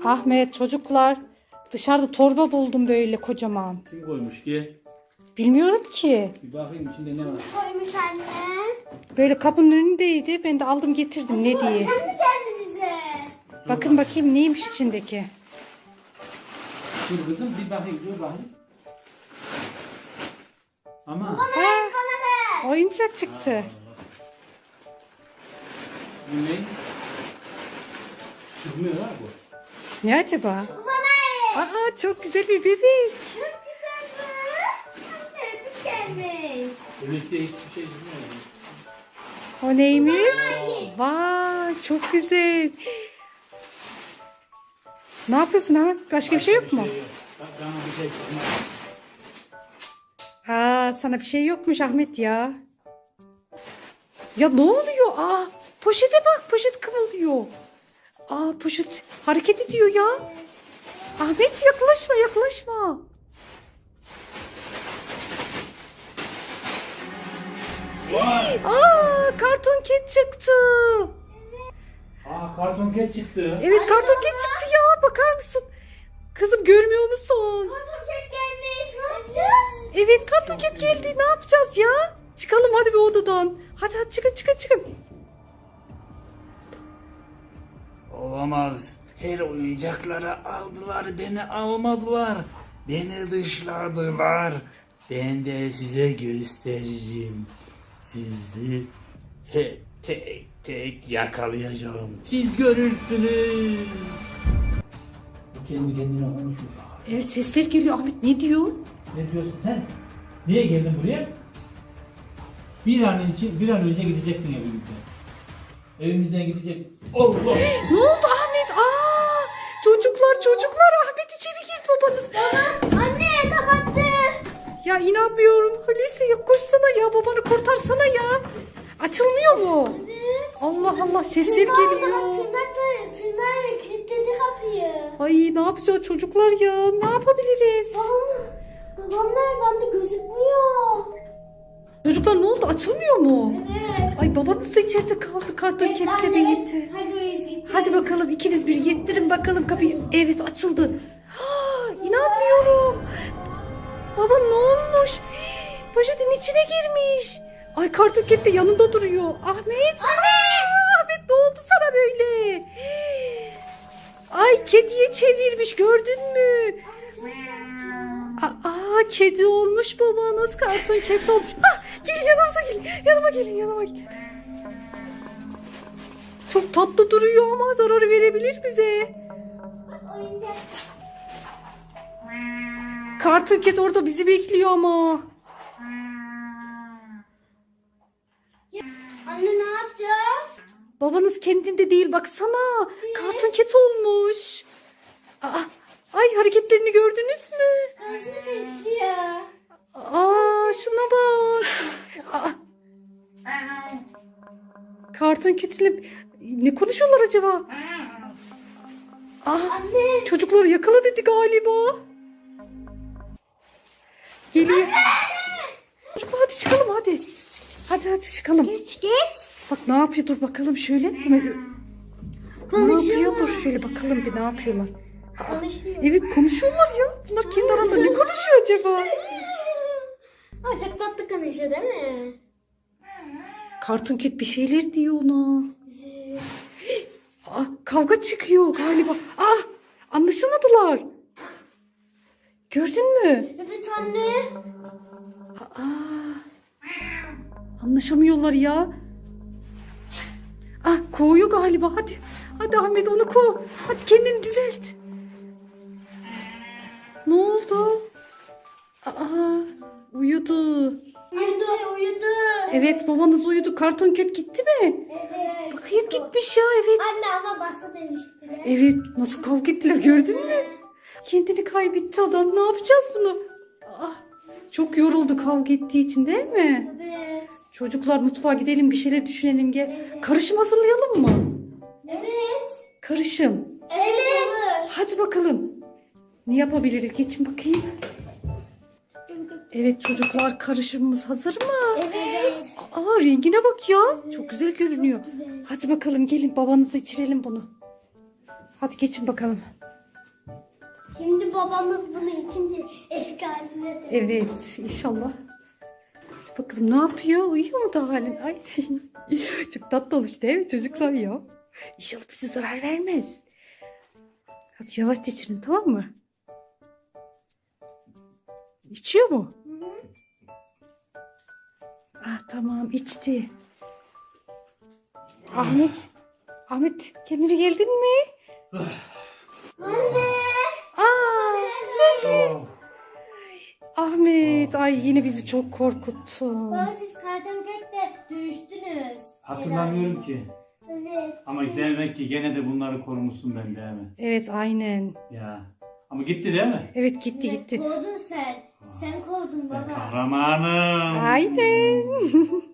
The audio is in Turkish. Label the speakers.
Speaker 1: Ahmet, çocuklar, dışarıda torba buldum böyle kocaman.
Speaker 2: Kim koymuş ki?
Speaker 1: Bilmiyorum ki.
Speaker 2: Bir bakayım içinde ne var?
Speaker 3: Koymuş anne.
Speaker 1: Böyle kapının önündeydi. Ben de aldım getirdim ne diye.
Speaker 3: Sen mi geldi bize?
Speaker 1: Bakın bakayım neymiş içindeki.
Speaker 2: Dur kızım bir bakayım dur bakayım. Ama
Speaker 1: Ha,
Speaker 3: Bana ver.
Speaker 1: oyuncak çıktı.
Speaker 2: bu ne? Çıkmıyor ha bu.
Speaker 1: Ne acaba?
Speaker 3: Bana ver.
Speaker 1: Aa, çok güzel bir bebek.
Speaker 3: Çok güzel bu. Anne biz gelmiş.
Speaker 2: Öyleyse hiçbir şey çıkmıyor.
Speaker 1: O neymiş? Vay, çok güzel. Ne yapıyorsun Ahmet? Başka bir şey yok mu?
Speaker 2: Bak bana bir şey çıkmaz.
Speaker 1: Aa, sana bir şey yokmuş Ahmet ya. Ya ne oluyor? Aa, poşete bak, poşet kımıldıyor. Aa, poşet hareket ediyor ya. Ahmet yaklaşma, yaklaşma. Aa, karton ket çıktı.
Speaker 2: Aa karton ket çıktı.
Speaker 1: Evet, karton ket çıktı ya. Bakar mısın? Kızım görmüyor musun?
Speaker 3: Karton kek gelmiş. Ne yapacağız?
Speaker 1: Evet, karton ket geldi. Ne yapacağız ya? Çıkalım hadi bir odadan. Hadi hadi çıkın çıkın çıkın.
Speaker 2: Olamaz. Her oyuncakları aldılar, beni almadılar. Beni dışladılar. Ben de size göstereceğim. Sizi hep tek tek yakalayacağım. Siz görürsünüz. Kendi kendine konuşuyor.
Speaker 1: Evet, sesler geliyor. Ahmet ne diyor?
Speaker 2: Ne diyorsun sen? Niye geldin buraya? Bir an önce gidecektin evimizden. Evimizden gidecek. Allah!
Speaker 1: Ne oldu Ahmet? Aa, çocuklar Ahmet içeri girdi babanız.
Speaker 3: Anne kapattı.
Speaker 1: Ya inanmıyorum. Hulusi ya koşsana ya, babanı kurtarsana ya. Açılmıyor mu?
Speaker 3: Evet.
Speaker 1: Allah Allah, sesler
Speaker 3: Tırnakla
Speaker 1: geliyor.
Speaker 3: kilitledi kapıyı.
Speaker 1: Ay ne yapacağız çocuklar ya? Ne yapabiliriz?
Speaker 3: Babam nerede anne gözükmüyor.
Speaker 1: Çocuklar ne oldu? Açılmıyor mu?
Speaker 3: Evet.
Speaker 1: Ay babanız da içeride kaldı karton ketle birlikte.
Speaker 3: Hadi Hulusi.
Speaker 1: Hadi bakalım ikiniz bir yettirin bakalım kapıyı. Evet, açıldı. Ha, inanmıyorum. Baba ne olmuş? Poşetin içine girmiş. Ay karton ket de yanında duruyor. Ahmet. Ahmet ne oldu sana böyle? Ay kediye çevirmiş, gördün mü? Aa, kedi olmuş babanız, karton ket olmuş. Ah, gelin yanımıza gelin. Yanıma gelin. Çok tatlı duruyor ama zarar verebilir bize.
Speaker 3: Oyuncak.
Speaker 1: Karton ket orada bizi bekliyor ama.
Speaker 3: Anne ne yapacağız?
Speaker 1: Babanız kendinde değil, baksana. Karton ket olmuş. Aa, ay hareketlerini gördünüz mü?
Speaker 3: Ağzını kaşıyor.
Speaker 1: Aa, şuna bak. Aa, karton ketiyle ne konuşuyorlar acaba? Aa,
Speaker 3: Anne.
Speaker 1: çocukları yakala dedi galiba. Geliyor. Çocuklar hadi çıkalım hadi. Hadi çıkalım.
Speaker 3: Geç.
Speaker 1: Bak ne yapıyor, dur bakalım şöyle. Ne yapıyor, dur şöyle bakalım bir ne yapıyorlar.
Speaker 3: Konuşuyor.
Speaker 1: Evet konuşuyorlar ya. Bunlar kendi aralarında ne konuşuyor acaba?
Speaker 3: Ay çok tatlı konuşuyor değil mi?
Speaker 1: Karton ket bir şeyler diyor ona. Aa, kavga çıkıyor galiba. Ah, anlaşılmadılar. Gördün mü?
Speaker 3: Evet anne.
Speaker 1: Aa, anlaşamıyorlar ya. Ah, kovuyor galiba. Hadi Ahmet onu kov. Hadi kendini düzelt. Ne oldu? Aa, uyudu.
Speaker 3: Uyudu.
Speaker 1: Evet, babanız uyudu. Karton ket gitti mi?
Speaker 3: Evet.
Speaker 1: Bakayım gitmiş ya, evet.
Speaker 3: Anne ama bastı demişti.
Speaker 1: Evet, nasıl kavga ettiler gördün mü? Kendini kaybetti adam. Ne yapacağız bunu? Ah, çok yoruldu kavga ettiği için değil mi?
Speaker 3: Evet.
Speaker 1: Çocuklar mutfağa gidelim, bir şeyler düşünelim gel. Karışım hazırlayalım mı?
Speaker 3: Evet.
Speaker 1: Karışım.
Speaker 3: Evet. Olur.
Speaker 1: Hadi bakalım. Ne yapabiliriz? Geçin bakayım. Evet çocuklar, karışımımız hazır mı?
Speaker 3: Evet.
Speaker 1: Aa, rengine bak ya. Çok güzel görünüyor. Hadi bakalım gelin, babanıza içirelim bunu. Hadi geçin bakalım.
Speaker 3: Şimdi babamız bunu içince eski haline de.
Speaker 1: Evet inşallah. Hadi bakalım ne yapıyor? Uyuyor mu da halin? Ay. Çok tatlı olmuş değil mi çocuklar ya? İnşallah bize zarar vermez. Hadi yavaşça içirin tamam mı? İçiyor mu? Ah tamam içti. Ahmet. Ahmet kendine geldin mi?
Speaker 3: Anne.
Speaker 1: Aa güzel.
Speaker 2: Oh.
Speaker 1: Ahmet ay yine bizi çok korkuttun.
Speaker 3: Baba siz kartonketle dövüştünüz.
Speaker 2: Hatırlamıyorum ki.
Speaker 3: Evet.
Speaker 2: Ama demek ki gene de bunları korumuşsun ben değil mi?
Speaker 1: Evet aynen.
Speaker 2: Ya. Ama gitti değil mi?
Speaker 1: Evet gitti
Speaker 3: Evet,
Speaker 1: gitti.
Speaker 3: kovdun sen. Sen kovdun
Speaker 2: Ben
Speaker 3: baba.
Speaker 2: kahramanım.
Speaker 1: Aynen.